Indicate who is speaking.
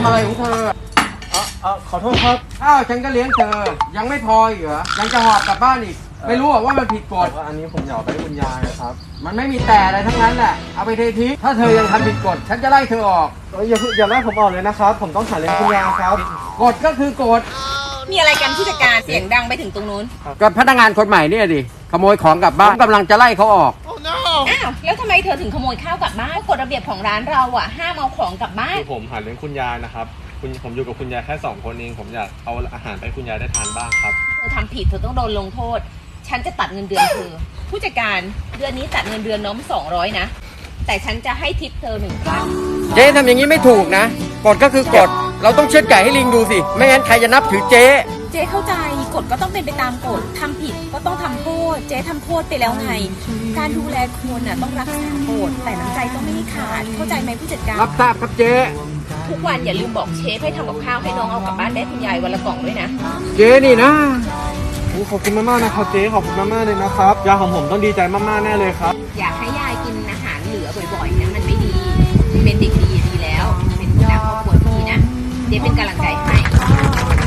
Speaker 1: ำอะไรของเธอ
Speaker 2: ขอโทษครับ
Speaker 1: อ้าวฉันก็เลี้ยงเธอยังไม่พออีกเหรอยังจะหอบกลับบ้านอีกไม่รู้ว่ามันผิดกฎ
Speaker 2: อันนี้ผมอยากไปคุณยายนะครับ
Speaker 1: มันไม่มีแต่อะไรทั้งนั้นแหละเอาไปเททิ้งถ้าเธอยังทำผิดกฎฉันจะไล่เธอออก
Speaker 2: อย่าไล่ผมออกเลยนะครับผมต้องหาเลี้ยงคุณยายครับ
Speaker 1: กฎก็คือกฎ
Speaker 3: มีอะไรกันผู้จัดการเสียงดังไปถึงตรงนู้น
Speaker 1: กับพนักงานคนใหม่เนี่ยดิขโมยของกลับบ้านกำลังจะไล่เขาออก
Speaker 3: อ้าวแล้วทำไมเธอถึงขโมยข้าวกลับบ้านกฎระเบียบของร้านเราอ่ะห้ามเอาของกลับบ้าน
Speaker 2: คือผมหาเลี้ยงคุณยายนะครับผมอยู่กับคุณยายแค่2 คนเองผมอยากเอาอาหารไปให้คุณยายได้ทานบ้างครับ
Speaker 3: เธอทำผิดเธอต้องโดนลงโทษฉันจะตัดเงินเดือนเธอผู้จัดการเดือนนี้ตัดเงินเดือนน้อง200นะแต่ฉันจะให้ทิปเธอ1,000
Speaker 1: เจ๊ทำอย่างนี้ไม่ถูกนะกฎก็คือกฎเราต้องเชือดไก่ให้ลิงดูสิไม่งั้นใครจะนับถือเจ๊
Speaker 3: เข้าใจกฎก็ต้องเป็นไปตามกฎทำผิดก็ต้องทำโทษเจ๊ทำโทษไปแล้วไงการดูแลคนน่ะต้องรักษากฎแต่น้ำใจต้องไม่ขาดเข้าใจไหมผู้จัดการ
Speaker 1: รับทราบครับเจ๊
Speaker 3: ทุกวันอย่าลืมบอกเชฟให้ทำกับข้าวให้น้องเอากลับบ้านได้คุณยายวันละกล่องด้วยนะ
Speaker 1: เจ๊นี่นะ
Speaker 2: ขอบคุณมากๆนะครับเจ๊ขอบคุณมากๆเลยนะครับยายของผมต้องดีใจมากๆแน่เลยครับ
Speaker 3: อยากให้ยายกินอาหารเหลือบ่อยๆนะมันไม่ดีเป็นเด็กดีแล้วเป็นหัวหน้าครอบครัวที่ดีนะเจ๊เป็นกำลังใจให้